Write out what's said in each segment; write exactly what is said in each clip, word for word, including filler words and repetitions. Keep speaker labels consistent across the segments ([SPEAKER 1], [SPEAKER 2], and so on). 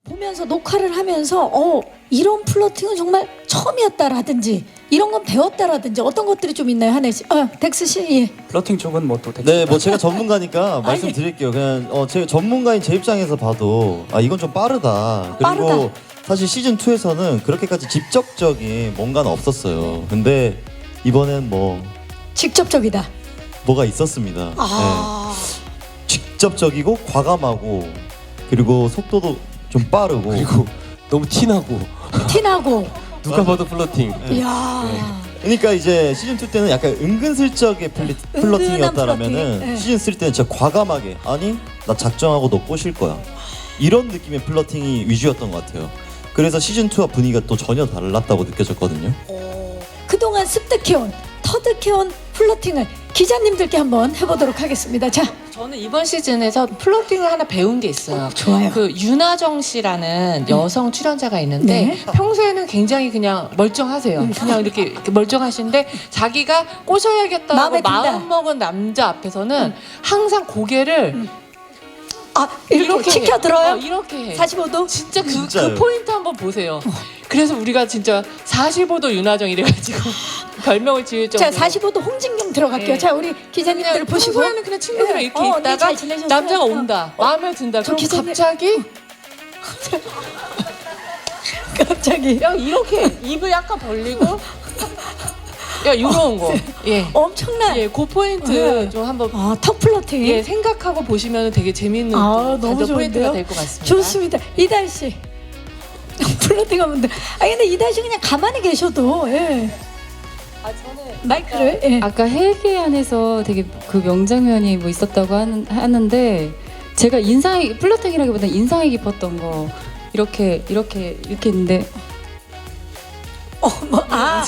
[SPEAKER 1] 보면서 녹화를 하면서 어 이런 플러팅은 정말 처음이었다라든지 이런 건 배웠다라든지 어떤 것들이 좀 있나요, 한혜 씨? 어, 덱스 씨, 예.
[SPEAKER 2] 플러팅 쪽은 뭐또
[SPEAKER 3] 네, 뭐 제가 전문가니까 말씀드릴게요. 그냥 어, 제가 전문가인 제 입장에서 봐도 아 이건 좀 빠르다. 그리고
[SPEAKER 1] 빠르다.
[SPEAKER 3] 사실 시즌 투에서는 그렇게까지 직접적인 뭔가는 없었어요. 근데 이번엔 뭐
[SPEAKER 1] 직접적이다.
[SPEAKER 3] 뭐가 있었습니다.
[SPEAKER 1] 아,
[SPEAKER 3] 네. 직접적이고 과감하고 그리고 속도도 좀 빠르고
[SPEAKER 4] 그리고 너무 티나고
[SPEAKER 1] 티나고.
[SPEAKER 4] 누가 봐도 플러팅.
[SPEAKER 1] 이야.
[SPEAKER 3] 그러니까 이제 시즌 투 때는 약간 은근슬쩍의 플리, 플러팅이었다라면은
[SPEAKER 1] 플러팅, 네.
[SPEAKER 3] 시즌 쓰리 때는 진짜 과감하게 아니 나 작정하고 너 꼬실 거야 이런 느낌의 플러팅이 위주였던 것 같아요. 그래서 시즌 투와 분위기가 또 전혀 달랐다고 느껴졌거든요.
[SPEAKER 1] 그동안 습득해온, 터득해온 플러팅을 기자님들께 한번 해보도록 하겠습니다. 자,
[SPEAKER 5] 저는 이번 시즌에서 플러팅을 하나 배운 게 있어요.
[SPEAKER 1] 좋아요.
[SPEAKER 5] 그 윤하정 씨라는 여성 출연자가 있는데
[SPEAKER 1] 네.
[SPEAKER 5] 평소에는 굉장히 그냥 멀쩡하세요. 그냥 이렇게, 이렇게 멀쩡하신데 자기가
[SPEAKER 1] 마음에
[SPEAKER 5] 꼬셔야겠다고
[SPEAKER 1] 든다.
[SPEAKER 5] 마음 먹은 남자 앞에서는 항상 고개를
[SPEAKER 1] 아 이렇게, 치켜 들어요?
[SPEAKER 5] 어, 이렇게 해.
[SPEAKER 1] 사십오 도?
[SPEAKER 5] 진짜 그,
[SPEAKER 3] 진짜요?
[SPEAKER 5] 그 포인트 한번 보세요. 그래서 우리가 진짜 사십오 도 윤하정 이래가지고 별명을 지을 정도로.
[SPEAKER 1] 자, 사십오 도 홍진경 들어갈게요.
[SPEAKER 5] 네.
[SPEAKER 1] 자, 우리 기자님들
[SPEAKER 5] 그냥
[SPEAKER 1] 보시고.
[SPEAKER 5] 평소에는 그냥 친구들이랑
[SPEAKER 1] 네.
[SPEAKER 5] 이렇게
[SPEAKER 1] 어, 언니
[SPEAKER 5] 있다가
[SPEAKER 1] 잘 지내셨어요?
[SPEAKER 5] 남자가
[SPEAKER 1] 어.
[SPEAKER 5] 온다. 마음에 든다.
[SPEAKER 1] 저
[SPEAKER 5] 그럼
[SPEAKER 1] 기자님-
[SPEAKER 5] 갑자기
[SPEAKER 1] 갑자기
[SPEAKER 5] 야 이렇게 입을 약간 벌리고 야 이런 거. 예.
[SPEAKER 1] 엄청난
[SPEAKER 5] 예, 그 포인트
[SPEAKER 1] 네.
[SPEAKER 5] 좀 한번
[SPEAKER 1] 아, 턱 플러팅.
[SPEAKER 5] 예, 생각하고 보시면 되게 재밌는
[SPEAKER 1] 아,
[SPEAKER 5] 좀
[SPEAKER 1] 너무
[SPEAKER 5] 관전 포인트가
[SPEAKER 1] 좋은데요?
[SPEAKER 5] 될 것 같습니다.
[SPEAKER 1] 좋습니다. 이달 씨. 플러팅 하면 돼. 아 근데 이달 씨 그냥 가만히 계셔도 예.
[SPEAKER 5] 아, 저는
[SPEAKER 1] 마이크를 예.
[SPEAKER 6] 아까 헬기 안에서 되게 그 명장면이 뭐 있었다고 하는, 하는데 제가 인상이 플러팅이라기보다 인상이 깊었던 거 이렇게 이렇게 이렇게 있는데
[SPEAKER 1] 어, 뭐, 아,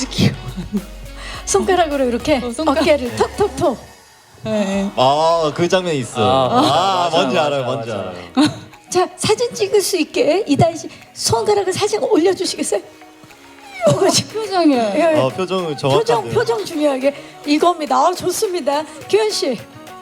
[SPEAKER 1] 손가락으로 이렇게
[SPEAKER 6] 어, 손가락.
[SPEAKER 1] 어깨를 톡톡톡.
[SPEAKER 3] 아 그 장면이 있어. 아,
[SPEAKER 4] 아, 맞아,
[SPEAKER 3] 뭔지
[SPEAKER 4] 맞아,
[SPEAKER 3] 알아요,
[SPEAKER 4] 맞아,
[SPEAKER 3] 뭔지
[SPEAKER 4] 맞아.
[SPEAKER 3] 알아요.
[SPEAKER 1] 자, 사진 찍을 수 있게 이달 씨 손가락을 사진 올려주시겠어요? 이거 지금
[SPEAKER 6] 표정이야.
[SPEAKER 1] 예.
[SPEAKER 3] 어, 표정을 정확하게.
[SPEAKER 1] 표정 표정 중요하게 이겁니다. 아, 좋습니다. 규현 씨.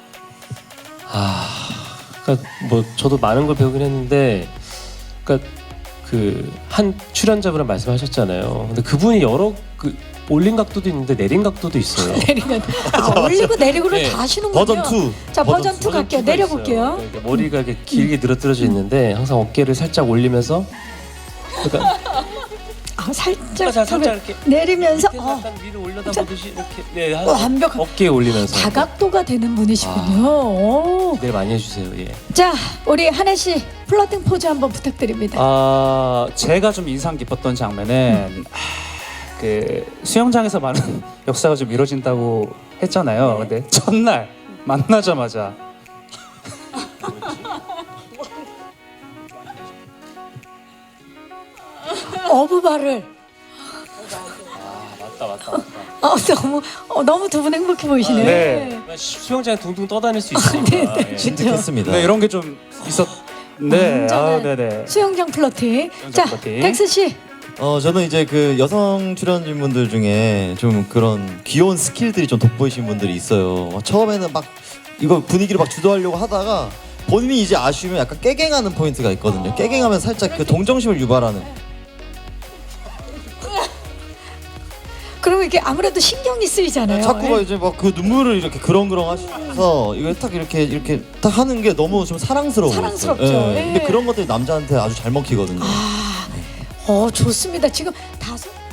[SPEAKER 4] 아, 그러니까 뭐 저도 많은 걸 배우긴 했는데, 그러니까 그 한 출연자분은 말씀하셨잖아요. 근데 그분이 여러 그 올린 각도도 있는데 내린 각도도 있어요.
[SPEAKER 1] 내리면 아, 올리고 내리고를
[SPEAKER 4] 네.
[SPEAKER 1] 다 하시는군요.
[SPEAKER 3] 버전 투.
[SPEAKER 1] 자, 버전 투
[SPEAKER 4] 버전
[SPEAKER 1] 갈게요.
[SPEAKER 4] 투가
[SPEAKER 1] 내려볼게요.
[SPEAKER 4] 있어요. 그러니까 머리가 이렇게 길게 늘어뜨려져 있는데 항상 어깨를 살짝 올리면서, 그러니까
[SPEAKER 1] 아, 살짝
[SPEAKER 4] 살짝, 살짝 이렇게
[SPEAKER 1] 내리면서
[SPEAKER 4] 밑에서
[SPEAKER 1] 어,
[SPEAKER 4] 약간 위로 올려다 보듯이 이렇게 네, 한
[SPEAKER 1] 완벽한
[SPEAKER 4] 어깨에 올리면서
[SPEAKER 1] 다각도가 되는 분이시군요.
[SPEAKER 4] 아.
[SPEAKER 1] 오.
[SPEAKER 4] 기대 많이 해주세요. 예.
[SPEAKER 1] 자, 우리 한혜 씨 플러팅 포즈 한번 부탁드립니다.
[SPEAKER 2] 아 제가 좀 인상 깊었던 장면은 하, 그 수영장에서 많은 역사가 좀 이루어진다고 했잖아요. 근데 첫날 만나자마자
[SPEAKER 1] 어부발을
[SPEAKER 4] 맞다, 맞다, 맞다.
[SPEAKER 1] 어, 너무 어, 너무 두 분 행복해 보이시네요.
[SPEAKER 2] 네.
[SPEAKER 4] 수영장에 둥둥 떠다닐 수 있으니까. 예.
[SPEAKER 3] 진득했습니다.
[SPEAKER 2] 네 이런 게 좀 있었. 네, 아,
[SPEAKER 1] 완전한
[SPEAKER 2] 네네.
[SPEAKER 1] 수영장 플러팅.
[SPEAKER 2] 수영장
[SPEAKER 1] 자,
[SPEAKER 2] 플러팅.
[SPEAKER 1] 덱스 씨.
[SPEAKER 3] 어 저는 이제 그 여성 출연진분들 중에 좀 그런 귀여운 스킬들이 좀 돋보이신 분들이 있어요. 막 처음에는 막 이거 분위기를 막 주도하려고 하다가 본인이 이제 아쉬우면 약간 깨갱하는 포인트가 있거든요. 깨갱하면 살짝 그 동정심을 유발하는.
[SPEAKER 1] 그러면 이렇게 아무래도 신경이 쓰이잖아요.
[SPEAKER 3] 자꾸 막
[SPEAKER 1] 예.
[SPEAKER 3] 이제 막 그 눈물을 이렇게 그렁그렁 하시면서 이거 딱 이렇게 이렇게 딱 하는 게 너무 좀 사랑스러워요.
[SPEAKER 1] 사랑스럽죠. 예.
[SPEAKER 3] 근데 그런 것들이 남자한테 아주 잘 먹히거든요.
[SPEAKER 1] 어, 좋습니다. 지금 다섯